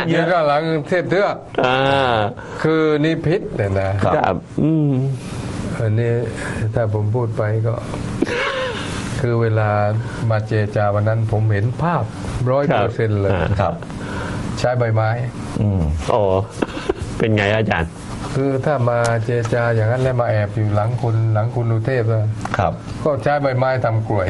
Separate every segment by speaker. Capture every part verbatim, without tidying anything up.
Speaker 1: ยืนข้างหลังเทพเทือกคือนิพิษเนี่ยนะครับอืมอันนี้ถ้าผมพูดไปก็ คือเวลามาเจรจาวันนั้นผมเห็นภาพร้อยเปอร์เซ็นต์เลยครับใช้ใบไม้
Speaker 2: อืมโอ้เป็นไงอาจารย์
Speaker 1: คือถ้ามาเจรจาอย่างนั้นแล้วมาแอบอยู่หลังคุณหลังคุณอุเทพนะครับก็ใช้ใบไม้ทำกลวย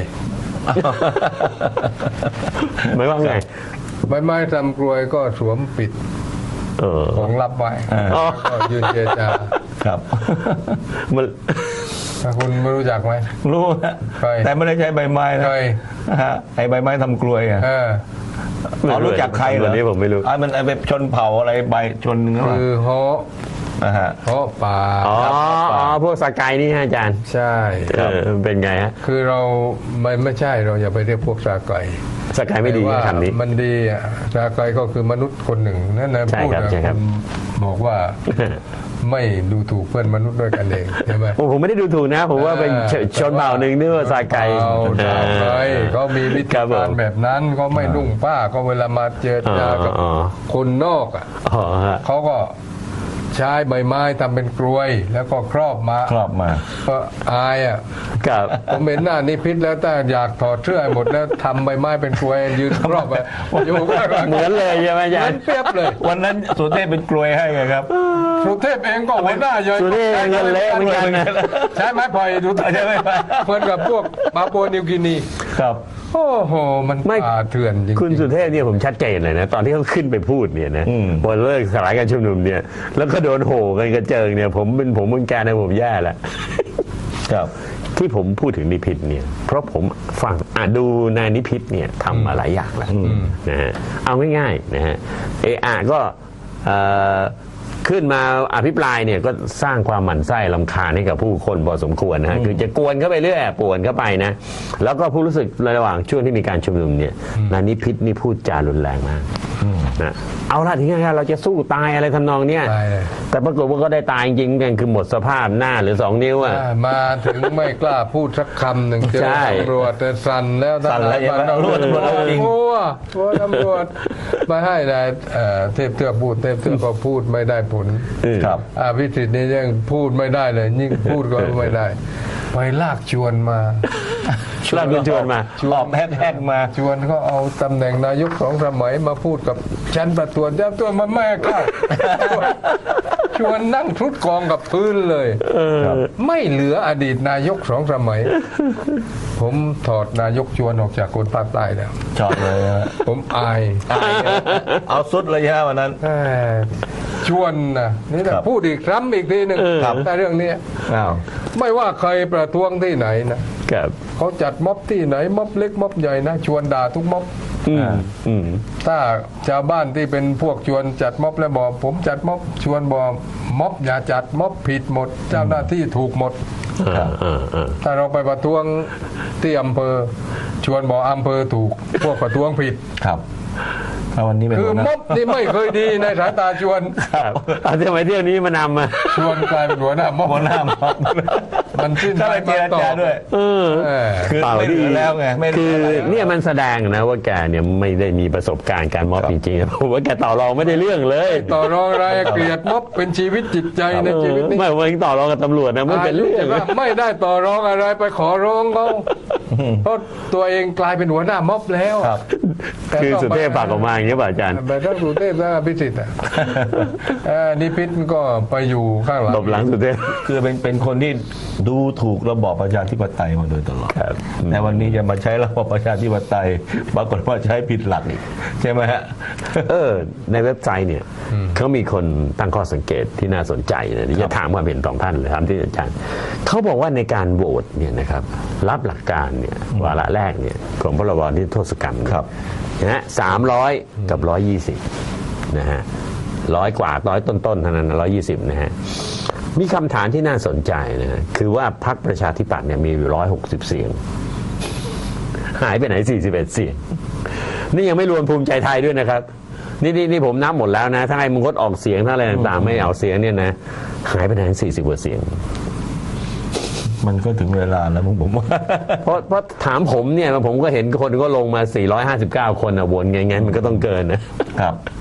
Speaker 2: ไม่ว่าไง
Speaker 1: ใบไม้ทำกลวยก็สวมปิดของลับไว้ก็ยืนเจรจา
Speaker 2: ครับมัน
Speaker 1: คุณไม่รู้จักไหม
Speaker 2: รู้แต่ไม่ได้ใช้ใบไม้นะไอ้ใบไม้ทำกลวยอ่ะเรารู้จักใครเหรอ
Speaker 1: นี่
Speaker 2: ผมไม่รู้ไอ้มันไอ้แบบชนเผ่าอะไรใบชน
Speaker 1: คือฮอ
Speaker 2: นะฮะ
Speaker 1: ฮอป่า
Speaker 2: อ๋อพวกสกายนี่อาจารย์
Speaker 1: ใช่
Speaker 2: เป็นไงฮะ
Speaker 1: คือเราไม่ไม่ใช่เราอย่าไปเรียกพวกสกาย
Speaker 2: สกายไม่ดีคำนี้
Speaker 1: มันดีอ่ะสกายก็คือมนุษย์คนหนึ่งนั่นนะพูดนะบอกว่าไม่ดูถูกเพื่อนมนุษย์ด้วยกันเองใช่ไหม
Speaker 2: ผมไม่ได้ดูถูกนะผมว่าเป็นชนเผ่าหนึ่งนี่ว่าสกาย
Speaker 1: เขามีวิธีการแบบนั้นเขาไม่นุ่งผ้าก็เวลามาเจอเจอกับคนนอกอ่ะเขาก็ใช้ใบไม้ทำเป็นกลวยแล้วก็ครอบมา
Speaker 2: ครอบมา
Speaker 1: ก็อายอ่ะผมเห็นหน้านิพิษแล้วแต่อยากถอดเสื้อหมดแล้วทำใบไม้เป็นกลวยยืนครอบไป
Speaker 2: อยู่เหมือนเลยใช่ไหมอาจารย์
Speaker 1: เปรียบเลย
Speaker 2: วันนั้นสุเทพเป็นกลวยให้ไงครับ
Speaker 1: สุเทพเองก็หัวหน้าใหญ่
Speaker 2: สุเทพเงินเละเหมือนกันนะ
Speaker 1: ใช้ไม้พลอยดูใช่ไหมเพื่อนกับพวกปาปัวนิวกินี
Speaker 2: ครับ
Speaker 1: โอ้โหมันป่าเถื่อนจริง
Speaker 2: คุณสุเทพเนี่ยผมชัดเจนเลยนะตอนที่เขาขึ้นไปพูดเนี่ยนะพอเลิกสลายการชุมนุมเนี่ยแล้วก็โดนโห่กันกระเจิงเนี่ยผมเป็นผมเป็นแกนะผมแย่แล้วครับที่ผมพูดถึงนิพิษเนี่ยเพราะผมฟังอ่ะดูนายนิพิษเนี่ยทำมาหลายอย่างแล้วนะฮะเอาง่ายๆนะฮะเออก็ขึ้นมาอภิปรายเนี่ยก็สร้างความหมั่นไส้รำคาญให้กับผู้คนพอสมควรนะฮะคือจะกวนเข้าไปเรื่อยป่วนเข้าไปนะแล้วก็ผู้รู้สึกระหว่างช่วงที่มีการชุมนุมเนี่ยนายนิพิษนี่พูดจารุนแรงมากนะเอาละทีนี้เราจะสู้ตายอะไรทำนองเนี้ยแต่ปรากฏว่าก็ได้ตายจริงกันคือหมดสภาพหน้าหรือสองนิ้วอ่ะ
Speaker 1: มาถึงไม่กล้าพูดสักคำหนึ่งเจอตำรวจแต่สั่นแล้ว
Speaker 2: สั่นแล้วยังตำรวจตำรวจจริง
Speaker 1: โอ้โหตำรวจมาให้นายเทพเทือกพูดเทพเทือกก็พูดไม่ได้ผล
Speaker 2: ครับ
Speaker 1: พิสิทธิ์นี่ยังพูดไม่ได้เลยยิ่งพูดก็ไม่ได้ไปลากชวนมา
Speaker 2: ลากชวนมาออกแฮกมา
Speaker 1: ชวนก็เอาตำแหน่งนายกสองสมัยมาพูดกับชั้นประตรวจเจ้าตัวมันไม่เข้าชวนนั่งทุดกองกับพื้นเลยไม่เหลืออดีตนายกสองสมัยผมถอดนายกชวนออกจากคนภาคใต้แล้ว
Speaker 2: ชอบเลย
Speaker 1: ผมอาย
Speaker 2: เอาสุดเลยฮะวันนั้น
Speaker 1: ชวนนะนี่แหละพูดอีกครั้งอีกทีหนึ่งแต่เรื่องนี้ไม่ว่าใครประท้วงที่ไหนนะเขาจัดม็อบที่ไหนม็อบเล็กม็อบใหญ่นะชวนด่าทุกม็อบถ้าชาวบ้านที่เป็นพวกชวนจัดม็อบแล้วบอกผมจัดม็อบชวนบอกม็อบอย่าจัดม็อบผิดหมดเจ้าหน้าที่ถูกหมดถ้าเราไปประท้วงที่อำเภอชวนบอกอำเภอถูกพวกประท้วงผิด
Speaker 2: ครับวันนี้
Speaker 1: คือม็อบนี่ไม่เคยดีในสายตาชวน
Speaker 2: เอาทำไมเที่ยวนี้มานำมา
Speaker 1: ชวนกลายเป็นหัวหน้าม็อบ
Speaker 2: หัวหน้าม็อบ
Speaker 1: มันสิ้น
Speaker 2: ไปมาต่อด้วยคือไม่ดีแล้วไงคือเนี่ยมันแสดงนะว่าแกเนี่ยไม่ได้มีประสบการณ์การม็อบจริงๆผมว่าแกต่อรองไม่ได้เรื่องเลย
Speaker 1: ต่อรองอะไรเกลียดม็อบเป็นชีวิตจิตใจในชีวิตนี้
Speaker 2: ไม่ว่าต่อรองกับตำรวจนะไม่เป็นเรื่อง
Speaker 1: ไม่ได้ต่อรองอะไรไปขอร้องเขาเพราะตัวเองกลายเป็นหัวหน้าม็อบแล้ว
Speaker 2: คือสุเทพฝากออกมาอย่างนี้ป่ะอาจารย์
Speaker 1: แต่ถ้าสุเทพถ้าพิสิทธิ์อ่ะนิพิษก็ไปอยู่ข้างหลัง
Speaker 2: หลบหลังสุเทพคือเป็นเป็นคนที่ดูถูกระบอบประชาธิปไตยมาโดยตลอดแต่วันนี้จะมาใช้ระบอบประชาธิปไตยปรากฏว่าใช้ผิดหลักอีกใช่ไหมฮะเออในเว็บไซต์เนี่ยเขามีคนตั้งข้อสังเกตที่น่าสนใจนะที่จะถามความเห็นของท่านเลยครับที่อาจารย์เขาบอกว่าในการโหวตเนี่ยนะครับรับหลักการเนี่ยวาระแรกเนี่ยของพรบนิรโทษกรรมนะฮะสามร้อยกับร้อยยี่สิบนะฮะร้อยกว่าร้อยต้นๆเท่านั้นร้อยยี่สิบนะฮะมีคำถามที่น่าสนใจนะฮะคือว่าพรรคประชาธิปัตย์เนี่ยมีอยู่ร้อยหกสิบเสียงหายไปไหนสี่สิบเอ็ดเสียงนี่ยังไม่รวมภูมิใจไทยด้วยนะครับนี่นี่นี่ผมนับหมดแล้วนะถ้าไอ้มึงงดออกเสียงถ้าอะไรต่างๆไม่เอาเสียงเนี่ยนะหายไปไหนสี่สิบกว่าเสียงมันก็ถึงเวลาแล้วผมผมว่าเพราะเพราะถามผมเนี่ยผมก็เห็นคนก็ลงมาสี่ร้อยห้าสิบเก้าคนอ่ะวนไงงั้นมันก็ต้องเกินนะครับ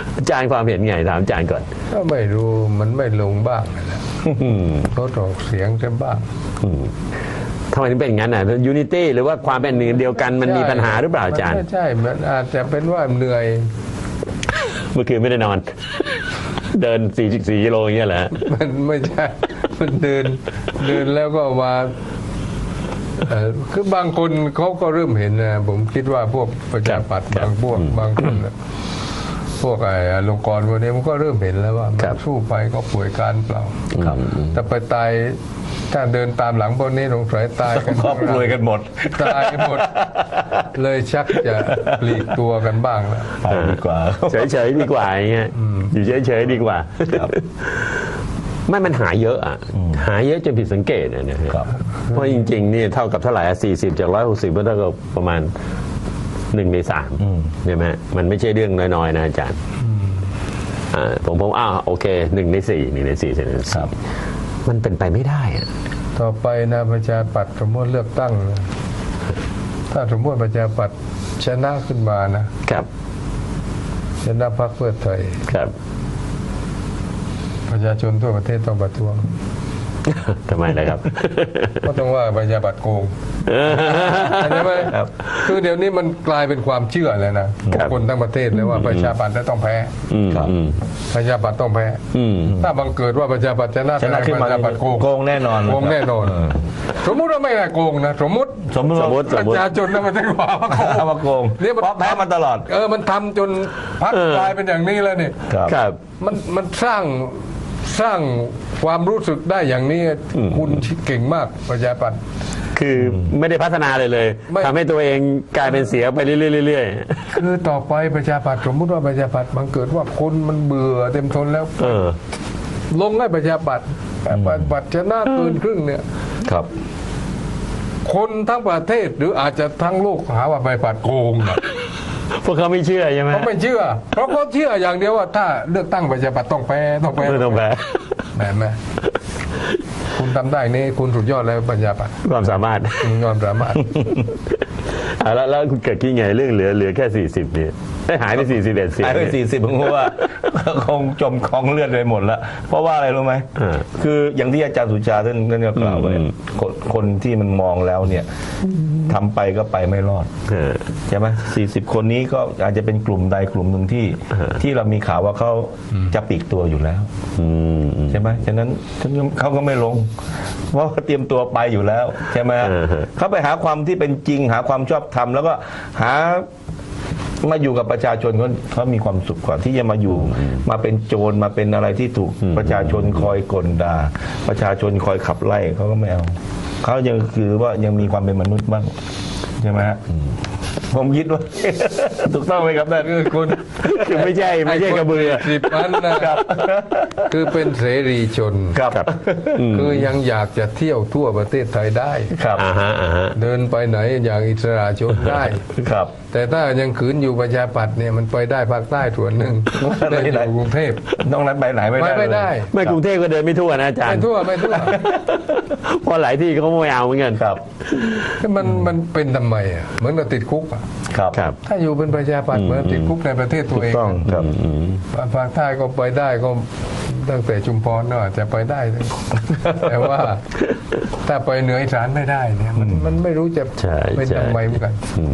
Speaker 3: อาจารย์ความเห็นไงถามอาจารย์ก่อน
Speaker 1: ก็ไม่รู้มันไม่ลงบ้างนะเขาออกเสียงกันบ้าง
Speaker 3: ทำไมถึงเป็นอย่างนั้นอ่ะยูนิตี้หรือว่าความเป็นหนึ่งเดียวกันมันมีปัญหาหรือเปล่าอาจารย์
Speaker 1: ไม่ใช่มันอาจจะเป็นว่าเหนื่อย
Speaker 3: เมื่อคืนไม่ได้นอน เดินสี่สี่กิโลอย่างเงี้ยแหละ
Speaker 1: มันไม่ใช่มันเดินเดินแล้วก็มาเอ่อคือบางคนเขาก็เริ่มเห็นนะผมคิดว่าพวกประชาปัตย์บางพวกบางคนน่ะพวกไอ้อลงกรณ์พวกนี้มันก็เริ่มเห็นแล้วว่ามันสู้ไปก็ป่วยการเปล่าแต่ไปตายถ้าเดินตามหลังพวกนี้สงสัยตายกัน
Speaker 2: ครอบครัวกันหมด
Speaker 1: ตายกันหมด เลยชักจะปลีกตัวกันบ้างแล้ว
Speaker 2: ไปดีกว่า
Speaker 3: เฉยๆดีกว่าอย่างเงี้ยอยู่เฉยๆดีกว่าไม่มันหาเยอะอ่ะหาเยอะจนผิดสังเกตนะเนี่ยเพราะจริงๆนี่เท่ากับเท่าไหร่สี่สิบจากร้อยหกสิบก็เท่ากับประมาณหนึ่งในสามใช่ไหมมันไม่ใช่เรื่องน้อยๆนะอาจารย์อ่าผมผมอ้าวโอเคหนึ่งในสี่หนึ่งในสี่เซนครับมันเป็นไปไม่ได้อ่ะ
Speaker 1: ต่อไปนะประชาปัตย์สมมติเลือกตั้งนะถ้าสมมติประชาปัตย์ชนะขึ้นมานะครับชนะพรรคเพื่อไทย
Speaker 3: ครับ
Speaker 1: ประชาชนทั่วประเทศต้องประท้วง
Speaker 3: ทำไมล่ะครับ
Speaker 1: ก็ต้องว่าประชาปัตย์โกงใช่ไหมคือเดี๋ยวนี้มันกลายเป็นความเชื่อแล้วนะคนทั้งประเทศเลยว่าประชาปัตย์ต้องแพ้ประชาปัตย์ต้องแพ้ถ้าบังเกิดว่าประชาปัตย์ชนะ
Speaker 2: ชนะขึ้นมา
Speaker 1: ประชาปัตย์โกง
Speaker 2: โกงแน่นอน
Speaker 1: โกงแน่นอน สมมุติว่าไม่ได้โกงนะสมมุติ
Speaker 2: สมมติ
Speaker 3: สมมติ
Speaker 1: ประชาชนทั้งประเทศว่า
Speaker 2: เอามาโกง
Speaker 1: เนี่ยมัน
Speaker 2: เพราะแพ้มาตลอด
Speaker 1: เออมันทำจนพรรคกลายเป็นอย่างนี้แล้วนี่
Speaker 3: ครับ
Speaker 1: มันมันสร้างสร้างความรู้สึกได้อย่างนี้คุณเก่งมากประชาปัตย์
Speaker 3: คือไม่ได้พัฒนาเลยเลย
Speaker 1: ไม่
Speaker 3: ทำให้ตัวเองกลายเป็นเสียไปเรื่อยๆ
Speaker 1: คือต่อไปประชาปัตย์สมมติว่าประชาปัตย์มันเกิดว่าคนมันเบื่อเต็มทนแล้ว
Speaker 3: เออ
Speaker 1: ลงให้ประชาปัตย์ประชาปัตย์ชนะเกินครึ่งเนี่ย
Speaker 2: ครับ
Speaker 1: คนทั้งประเทศหรืออาจจะทั้งโลกหาว่าประชาปัตย์โกงอะ
Speaker 3: พวกเขาไม่เชื่อใช่ไหม
Speaker 1: เขาไม่เชื่อ เพราะเขาเชื่ออย่างเดียวว่าถ้าเลือกตั้งประชาปัตย์ต้องแพ้ต้องแพ้
Speaker 3: ไม่ต้องแพ้
Speaker 1: แม่แม่คุณทำได้นี่คุณสุดยอดแล้วประชาปัตย์
Speaker 3: ความสามารถ
Speaker 1: ยอมสามารถ
Speaker 3: อ่ะแล้วแล้วคุณเกิดคิดไงเรื่องเหลือเหลือแค่สี่สิบเนี่ยได้หายไปสี่สิบเอ็ดเสียง
Speaker 2: หายไปสี่สิบผมว่า คงจมคลองเลือดไปหมดแล้ว เพราะว่าอะไรรู้ไหม
Speaker 3: อ่า
Speaker 2: คืออย่างที่อาจารย์สุชาท่านท่านก็กล่าวไว้
Speaker 3: อืม
Speaker 2: คนคนที่มันมองแล้วเนี่ยทำไปก็ไปไม่รอด
Speaker 3: เออ
Speaker 2: ใช่ไหมสี่สิบคนนี้ก็อาจจะเป็นกลุ่มใดกลุ่มหนึ่งที่
Speaker 3: อ่า
Speaker 2: ที่เรามีข่าวว่าเขาจะปลีกตัวอยู่แล้ว
Speaker 3: อืมอืม
Speaker 2: ใช่ไหมฉะนั้นเขาก็ไม่ลง เพราะว่าเตรียมตัวไปอยู่แล้วใช่ไหม
Speaker 3: อ่าฮะ
Speaker 2: เขาไปหาความที่เป็นจริง หาความชอบธรรมแล้วก็หามาอยู่กับประชาชนเขาเขามีความสุขกว่าที่จะมาอยู่ มาเป็นโจรมาเป็นอะไรที่ถูกประชาชนคอยกลด่าประชาชนคอยขับไล่เขาก็ไม่เอาเขายังคือว่ายังมีความเป็นมนุษย์บ้างใช่ไหมฮะผมคิดว่า ถูกต้องไหมครับท่าน
Speaker 1: คือคุณ
Speaker 3: คือไม่ใช่ไม่ใช่กระเบือ
Speaker 1: สิบนั้นนะครับคือเป็นเสรีชน
Speaker 2: ครับ
Speaker 1: คือยังอยากจะเที่ยวทั่วประเทศไทยได้
Speaker 2: ครับ
Speaker 3: อ่าฮะอ่าฮะ
Speaker 1: เดินไปไหนอย่างอิสระชนได้
Speaker 2: ครับ
Speaker 1: แต่ถ้ายังขืนอยู่ประชาปัตย์เนี่ยมันไปได้ภาคใต้ส่วนหนึ่ง
Speaker 2: ไม่
Speaker 1: ได้
Speaker 2: ได้
Speaker 1: อยู่กรุงเทพ
Speaker 2: ต้องนั้นไปไหนไม่
Speaker 1: ไป
Speaker 2: ได้
Speaker 1: ไม่ได้
Speaker 3: ไม่กรุงเทพก็เดินไม่ทั่วนะอาจาร
Speaker 1: ไม่
Speaker 3: ย์
Speaker 1: ทั่วไม่ทั่ว
Speaker 3: เพราะหลายที่เขาไม่เอาเหมือนกัน
Speaker 2: ครับ
Speaker 1: มันมันเป็นทำไมอ่ะเหมือนกับติดคุกอ่ะ
Speaker 2: ครับ
Speaker 3: ครับ
Speaker 1: ถ้าอยู่เป็นประชาปัตย์เหมือนติดคุกในประเทศตัวเอง
Speaker 2: ต้องครับ
Speaker 1: ภาคใต้ก็ไปได้ก็ตั้งแต่ชุมพรเนาะจะไปได้เลย แต่ว่าถ้าไปเหนืออีสานไม่ได้เนี่ยมันมันไม่รู้จะ
Speaker 3: ใช่
Speaker 1: เป็น
Speaker 3: ใช่
Speaker 1: ทำไมเหมือนกัน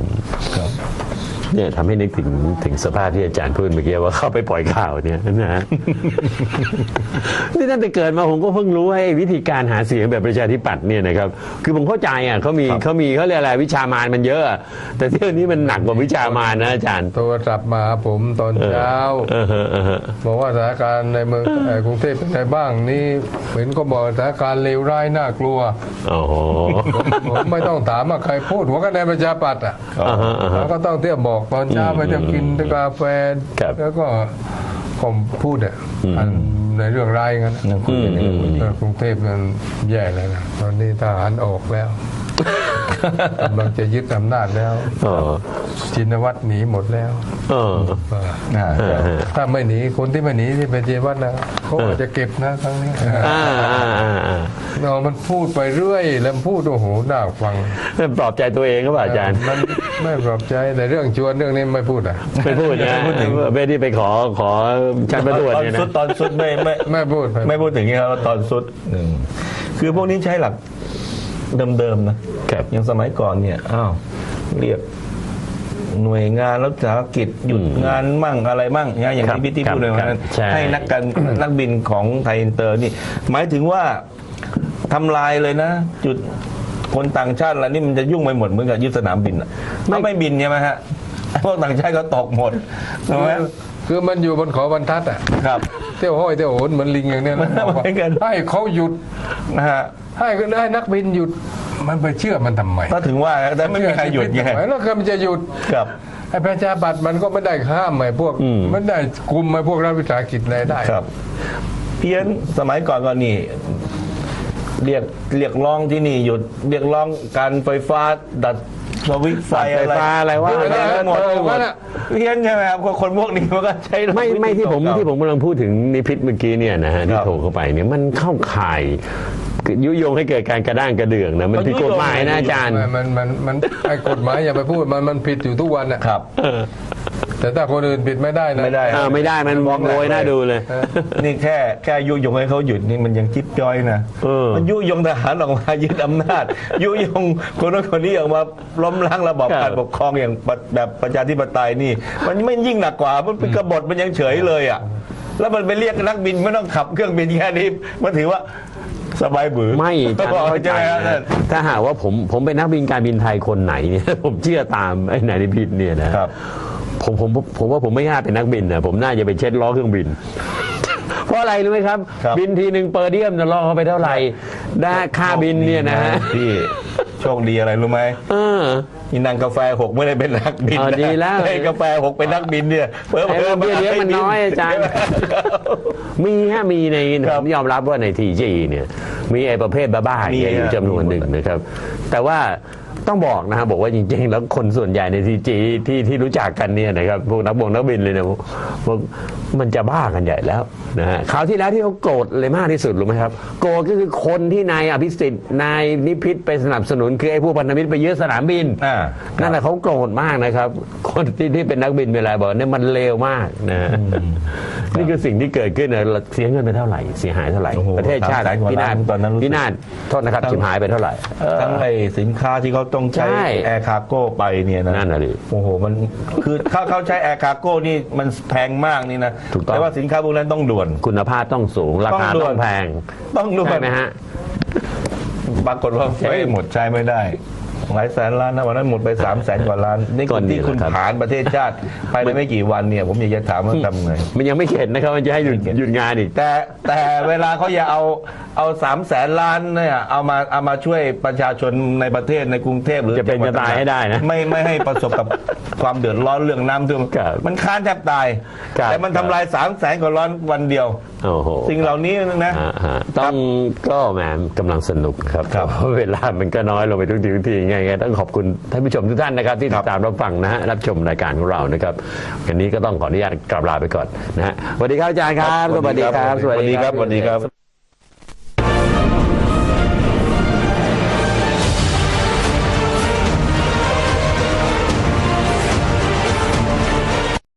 Speaker 3: เนี่ยทำให้นึกถึงถึงสภาพที่อาจารย์พูดเมื่อกี้ว่าเข้าไปปล่อยข่าวเนี่ยนะฮะ นี่ตั้งแต่เกิดมาผมก็เพิ่งรู้ว่าไอ้วิธีการหาเสียงแบบประชาธิปัตย์เนี่ยนะครับคือผมเข้าใจอ่ะเขามีเขามีเขาเรียกอะไรวิชามารมันเยอะอะแต่เที่ยวนี้มันหนักกว่าวิชามารนะอาจารย์
Speaker 1: โทรศัพท์มาหาผมตอนเช้า
Speaker 3: เออเออเออเออ
Speaker 1: บอกว่าสถานการณ์ในเมืองเอ่อกรุงเทพเป็นไงบ้างนี่เห็นก็บอกสถานการณ์เลวร้ายน่ากลัว
Speaker 3: โอ้โห
Speaker 1: ผมผมไม่ต้องถามว่าใครพูดหัวคะแนนประชาปัตย์อ่ะ
Speaker 3: อ่าฮะอ่าฮะ
Speaker 1: เราก็ต้องเที่ยวบอกตอนเช้าไปจะกินกาแฟ
Speaker 3: ครับ
Speaker 1: แล้วก็ผมพูดอ่ะอันในเรื่องร้ายงั้น
Speaker 2: ยังคุยกันอยู่
Speaker 1: เออกรุงเทพมันแย่เลยนะตอนนี้ทหารออกแล้วกำลังจะยึดอำนาจแล้ว
Speaker 3: เออ
Speaker 1: ชินวัตรหนีหมดแล้ว
Speaker 3: เออ
Speaker 2: อ่า
Speaker 1: ถ้าไม่หนีคนที่ไม่หนีที่เป็นชินวัตรนะเขาอาจจะเก็บนะครั้งนี้
Speaker 3: อ่าอ่าอ่าอ่า
Speaker 1: เนาะมันพูดไปเรื่อยแล้วพูดโอ้โหน่าฟัง
Speaker 3: ปลอบใจตัวเองก็ป่ะอาจารย์
Speaker 1: มันไม่ปลอบใจแต่เรื่องชวนเรื่องนี้ไม่พูดอ่ะ
Speaker 3: ไม่พูดนะเบสที่ไปขอขอชันประตรวจ
Speaker 2: ตอน
Speaker 3: เนี่ย
Speaker 2: สุ
Speaker 3: นะ
Speaker 2: ดตอนสุดไม่ไม่
Speaker 1: ไม่พูด
Speaker 2: ไม่พูดถึงนี้ครับตอนสุดหนึ่งคือพวกนี้ใช้หลักเดิมๆนะครับ อย่างสมัยก่อนเนี่ยอ้าวเรียกหน่วยงานรัฐกิจหยุดงานมั่งอะไรมั่งเนี่ยอย่าง
Speaker 3: ครับ
Speaker 2: ที่พี่ที่พูดเลย
Speaker 3: ครั
Speaker 2: ว่า
Speaker 3: บใช่
Speaker 2: ให้นักการนักบินของไทยอินเตอร์นี่ หมายถึงว่าทำลายเลยนะ จุดคนต่างชาติอะไรนี่มันจะยุ่งไปหมดเหมือนกับยึดสนามบินอ่ะถ้าไม่บินใช่ไหมฮะพวกต่างชาติก็ตกหมดใช่ไหม
Speaker 1: คือมันอยู่บนเขาบรรทัดอ่ะ
Speaker 2: ครับ
Speaker 1: เที่ยวห้อยเที่ยวโหนเหมือนลิงอย่างเนี้ยนะ
Speaker 2: เหมือนกัน
Speaker 1: ให้เขาหยุด
Speaker 2: นะฮะ
Speaker 1: ให้ก็ได้นักบินหยุดมันไปเชื่อมันทำไม
Speaker 2: ก็ถึงว่าแต่ไม่มีใครหยุดไง
Speaker 1: ทำมแล้วก็มันจะหยุด
Speaker 2: ครับ
Speaker 1: ไอ้ประชาบัตรมันก็ไม่ได้ห้ามไอ้พวกมันได้กลุ่มไอ้พวกรัฐวิสาหกิจอะไรได้
Speaker 2: ครับเพี้ยนสมัยก่อนก็นี่เรียกเรียกร้องที่นี่หยุดเรียกร้องการไฟฟ้าดัดสวิตช์ไฟ
Speaker 3: ไฟ
Speaker 2: อะไร
Speaker 3: ฟ้าอะไรว่า
Speaker 2: เพี้ยนหมด
Speaker 1: เออว่าน่ะ
Speaker 2: เพี้ยนใช่ไหมครับคนพวกนี้มันก็ใช้
Speaker 3: ไม่ไม่ที่ผมที่ผมกำลังพูดถึงนิพิษเมื่อกี้เนี่ยนะฮะที่โทรเข้าไปเนี่ยมันเข้าข่ายยุยงให้เกิดการกระด้างกระเดื่องนะมันผิดกฎหมายนะอาจารย์
Speaker 1: มันมันมันไอ้กฎหมายอย่าไปพูดมันมันผิดอยู่ทุกวันอ่ะ
Speaker 2: ครับ
Speaker 1: แต่ถ้าคนอื่นผิดไม่ได้นะ
Speaker 2: ไม่ได้
Speaker 3: อ่าไม่ได้มันมองโวยน่าดูเลย
Speaker 2: นี่แค่แค่ยุยงให้เขาหยุดนี่มันยังจิ๊บจ้อยนะ
Speaker 3: เออ
Speaker 2: มันยุยงทหารออกมายึดอำนาจ ยุยงคนนั้นคนนี้ออกมาล้มล้างระบอบ
Speaker 3: ครับ
Speaker 2: การปกครองอย่างแบบประชาธิปไตยนี่ มันไม่ยิ่งหนักกว่ามันเป็นกบฏมันยังเฉยเลยอ่ะแล้วมันไปเรียกนักบินไม่ต้องขับเครื่องบินแค่นี้มันถือว่าสบายบือ
Speaker 3: ไม่อาจารย์เข้าใจ
Speaker 2: ไหมครับ
Speaker 3: นะถ้าหากว่าผมผมเป็นนักบินการบินไทยคนไหนเนี่ย ผมเชื่อตามไอ้นายนิพิษเนี่ยนะครับ ผมผมผมว่าผมไม่น่าเป็นนักบินนะผมน่าจะไปเช็ดล้อเครื่องบิน เพราะอะไรรู้ไหมครับ
Speaker 2: ครับ
Speaker 3: บินทีหนึ่งเปอร์เดียมจะล่อเข้าไปเท่าไหร่ได้ค่าบินเนี่ยนะฮะ
Speaker 2: พี่โชคดีอะไรรู้ไหม
Speaker 3: เออ
Speaker 2: นี่นางกาแฟหกไม่ได้เป็นนักบิน
Speaker 3: เออ
Speaker 2: นะ
Speaker 3: ดีแล้ว
Speaker 2: ไอ้กาแฟหกเป็นนักบินเนี่ยเพิ่ม
Speaker 3: ไอ้เบี้ยเลี้ยงมันน้อยอาจารย์ มีฮะมีใน
Speaker 2: ค
Speaker 3: ผ
Speaker 2: รับ
Speaker 3: มยอมรับว่าในทีจีเนี่ยมีไอ้ประเภทบ้าๆ
Speaker 2: มี
Speaker 3: เนี่ยอยู่
Speaker 2: ฮะ
Speaker 3: จำนวนหนึ่งนะครับ แต่ว่าต้องบอกนะครับบอกว่าจริงๆ แล้วคนส่วนใหญ่ในทีจีที่ที่รู้จักกันเนี่ยนะครับพวกนักบงนักบินเลยนะพวกมันจะบ้ากันใหญ่แล้วนะฮะคราวที่แล้วที่เขาโกรธเลยมากที่สุดรู้ไหมครับโกรธก็คือคนที่นายอภิสิทธิ์นายนิพิษไปสนับสนุนคือไอ้พวกพันธมิตรไปยึดสนามบิน
Speaker 2: อ่า
Speaker 3: นั่นแหละเขาโกรธมากนะครับ คนที่ที่เป็นนักบินเวลาบอกเนี่ยมันเลวมากนะฮะนี่คือสิ่งที่เกิดขึ้นนะเสียเงินไปเท่าไหร่เสียหายเท่าไหร่
Speaker 2: โอ้โห
Speaker 3: ประเทศชาติ
Speaker 2: สามแสนกว่า
Speaker 3: พินาศ
Speaker 2: ล้านตอนนั้นรู้สึก
Speaker 3: พินาศโทษนะครับชิมหายไปเท่าไหร่เออ
Speaker 2: ทั้งไอ้สินค้าที่เขาต้องใช้
Speaker 3: ใช่
Speaker 2: แอร์คาร์โก้ไปเนี่ยนะ
Speaker 3: นั่นน่ะดิ
Speaker 2: โอ้โหมันคือเขาเขาใช้แอร์คาร์โก้นี่มันแพงมากนี่นะ
Speaker 3: ถูกต้อง
Speaker 2: แต่ว่าสินค้าพวกนั้นต้องด่วน
Speaker 3: คุณภาพต้องสูงราคา
Speaker 2: ต้องด่
Speaker 3: ต้
Speaker 2: ว
Speaker 3: อน งแพง
Speaker 2: ต้องด่วน
Speaker 3: ใช่ไหมฮะ
Speaker 2: ปรากฏว่าไฟหมดใช้ไม่ได้หลายแสนล้านนะวันนั้นหมดไปสามแสนกว่าล้านนี่
Speaker 3: ก็
Speaker 2: คือ
Speaker 3: นี่
Speaker 2: ที่คุณ
Speaker 3: แหละครับ
Speaker 2: ผ่านประเทศชาติภายในไม่กี่วันเนี่ยผมอยากจะถามว่าทำไง
Speaker 3: มันยังไม่เข็ดนะครับมันจะให้หยุดหยุดงานอีก
Speaker 2: แต่แต่เวลาเขาอย่าเอาเอาสามแสนล้านเนี่ยเอามาเอามาช่วยประชาชนในประเทศในกรุงเทพหรือ
Speaker 3: จะเป็นจะตายให้ได้นะ
Speaker 2: ไม่ไม่ให้ประสบกับความเดือดร้อนเรื่องน้ำท่วม
Speaker 3: ครับ
Speaker 2: มันค้านแทบตาย
Speaker 3: ครับ
Speaker 2: แต่มันทำลายสามแสนกว่าล้านวันเดียว
Speaker 3: โอ้โห
Speaker 2: สิ่งเหล่านี้นะ
Speaker 3: อ่าฮะต้องก็แหมกำลังสนุกครับ
Speaker 2: ครับ
Speaker 3: เพราะเวลามันก็น้อยลงไปทุกทีทุกทีไงไงต้องขอบคุณท่านผู้ชมทุกท่านนะครับ ที่
Speaker 2: ครั
Speaker 3: ติ
Speaker 2: บ
Speaker 3: ดตามรับฟังนะฮะรับชมรายการของเรานะครับวันนี้ก็ต้องขออนุญาตกลับลาไปก่อนนะฮะสวัสดีครับอาจารย์ครับ
Speaker 2: สวัสดีครับ
Speaker 3: สวัสดีครับ
Speaker 2: สวัสดีครับ